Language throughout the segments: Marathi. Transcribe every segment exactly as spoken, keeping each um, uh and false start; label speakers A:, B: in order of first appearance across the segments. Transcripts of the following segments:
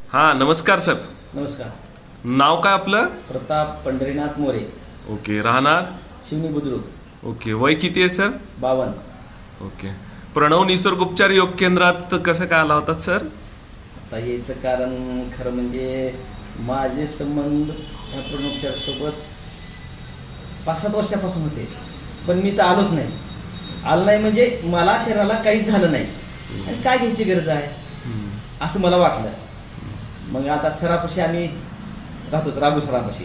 A: हां नमस्कार सर.
B: नमस्कार.
A: नाव काय आपलं?
B: प्रताप पंढरीनाथ मोरे.
A: ओके. राहणार?
B: शिवनी बुद्रुक.
A: ओके. वय किती आहे सर?
B: बावन.
A: ओके. प्रणव निसर्गोपचार योग केंद्रात कसं काय आला होता सर?
B: आता याचं कारण खरं म्हणजे माझे संबंध ह्या प्रणवोपचारसोबत पाच सात वर्षापासून होते, पण मी तर आलोच नाही. आलो नाही म्हणजे मला शरीराला काहीच झालं नाही आणि काय घ्यायची गरज आहे असं मला वाटलं. मग आता सरापाशी आम्ही राहतो, राघू सरापाशी,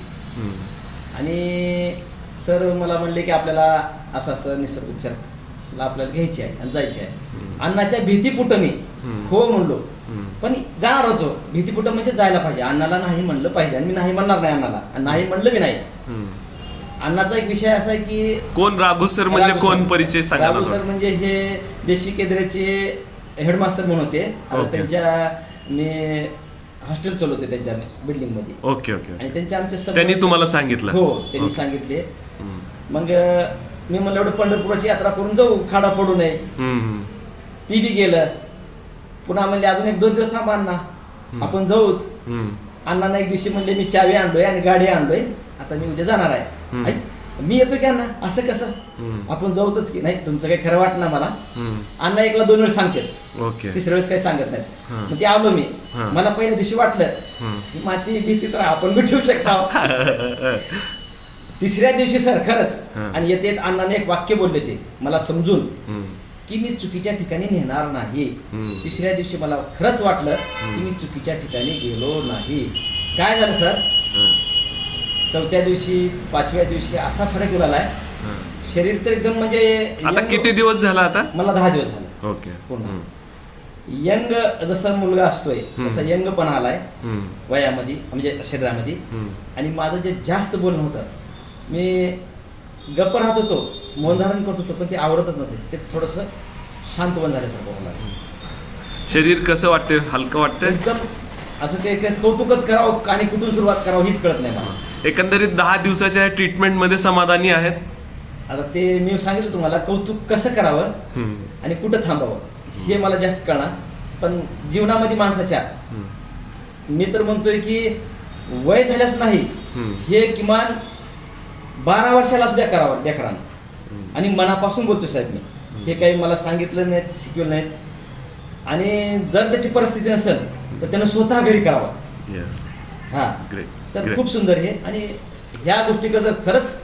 B: आणि सर मला म्हणले की आपल्याला असं असं निसर्गोपचार आपल्याला घ्यायची आहे आणि जायची आहे. अण्णाच्या भीतीपुटं मी हो म्हणलो, पण जाणार होतो भीतीपुटं म्हणजे जायला पाहिजे. अण्णाला नाही म्हणलं पाहिजे आणि मी नाही म्हणणार नाही अण्णाला, आणि नाही म्हणलं मी नाही. अण्णाचा एक विषय असा आहे की
A: कोण राघू सर म्हणजे
B: राघू
A: कोण?
B: सर.
A: परिचय सांगा.
B: राघू सर म्हणजे हे देशी केंद्राचे हेडमास्टर म्हणून होते. आता
A: ओके.
B: त्यांच्या मी हॉस्टेल चालवते त्यांच्या बिल्डिंग मध्ये.
A: Okay okay.
B: आणि त्यांच्या आमच्या संबंध-
A: त्यांनी तुम्हाला सांगितलं?
B: हो, त्यांनी
A: ओके.
B: सांगितले.
A: हम्म.
B: मग मी म्हणलं एवढं पंढरपुराची यात्रा करून जाऊ, खाडा पडू नये.
A: हम्म, हम्म.
B: ती बी गेलं. पुन्हा म्हणले अजून एक दोन दिवस थांबा अण्णा, आपण जाऊत.
A: हम्म.
B: अण्णांना एक दिवशी म्हणले मी चावी आणलोय आणि गाडी आणलोय, आता मी उद्या जाणार आहे.
A: हम्म.
B: आई, मी येतो की अण्णा? असं कसं?
A: हम्म.
B: आपण जाऊतच की. नाही तुमचं काही खरं वाटणार मला.
A: हम्म.
B: अण्णा एकला दोन वेळेस सांगतात,
A: ओके.
B: तिसऱ्या वेळेस काही सांगत नाही.
A: हा.
B: मग ते आलो मी.
A: हा.
B: मला पहिल्या दिवशी वाटलं
A: हम्म.
B: की माती भीती तर आपण बी ठेवू शकता. तिसऱ्या दिवशी सर खरंच,
A: हा.
B: आणि येते येत अण्णाने एक वाक्य बोलले ते मला समजून
A: हम्म.
B: की मी चुकीच्या ठिकाणी नेणार नाही.
A: हम्म.
B: तिसऱ्या दिवशी मला खरंच वाटलं की मी चुकीच्या ठिकाणी गेलो नाही. काय झालं सर,
A: हा.
B: चौथ्या दिवशी पाचव्या दिवशी असा फरक उडालाय.
A: हा.
B: शरीर तर एकदम म्हणजे
A: आता
B: यंग-
A: किती दिवस झाला आता?
B: मला दहा दिवस झाले.
A: ओके.
B: पूर्ण.
A: हम्म.
B: यंग जसा मुलगा असतोय
A: हम्म.
B: तसा यंग पण आलाय
A: हम्म.
B: वयामध्ये, म्हणजे शरीरामध्ये.
A: हम्म.
B: आणि माझं जे जास्त बोलणं होतं, मी गप्प राहत होतो, मौन धारण करत होतो, पण ते आवडतच नव्हते. ते थोडस शांत बन झाल्यासारखं व्हायला लागलं.
A: शरीर कसं वाटतंय? हलकं वाटतंय?
B: एकदम असं ते काही कौतुकच करावं आणि कुठून सुरुवात करावं हीच कळत नाही मला.
A: एकंदरीत दहा दिवसाच्या ट्रीटमेंट मध्ये समाधानी आहेत?
B: आता ते मी सांगितलं तुम्हाला, कौतुक कसं करावं
A: हम्म.
B: आणि कुठं थांबावं हे मला जास्त कळणार. पण जीवनामध्ये माणसाच्या,
A: हम्म.
B: मी तर म्हणतोय की वय झाल्यास नाही,
A: हम्म.
B: हे किमान बारा वर्षाला सुद्धा करावं लेकरांना.
A: हम्म.
B: आणि मनापासून बोलतो साहेब मी, हे काही मला सांगितलं नाहीत, शिकवलं नाहीत. आणि जर त्याची परिस्थिती नसेल तर त्यानं स्वतः घरी करावं.
A: येस.
B: हा,
A: ग्रेट.
B: तर
A: ग्रेट.
B: खूप सुंदर हे. आणि ह्या गोष्टीकडे जर खरंच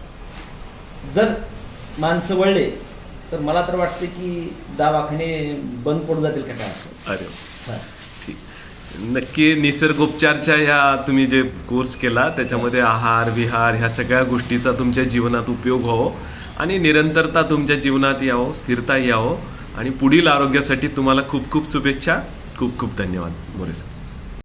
B: जर माणसं वळले तर मला तर वाटते की दवाखाने बंद पडून जातील का काय असं.
A: अरे
B: हा.
A: ठीक. नक्की निसर्गोपचारच्या ह्या तुम्ही जे कोर्स केला त्याच्यामध्ये आहार विहार ह्या सगळ्या गोष्टीचा तुमच्या जीवनात उपयोग व्हावो आणि निरंतरता तुमच्या जीवनात यावं, स्थिरता यावं, आणि पुढील आरोग्यासाठी तुम्हाला खूप खूप शुभेच्छा. खूप खूप धन्यवाद मोरे सर.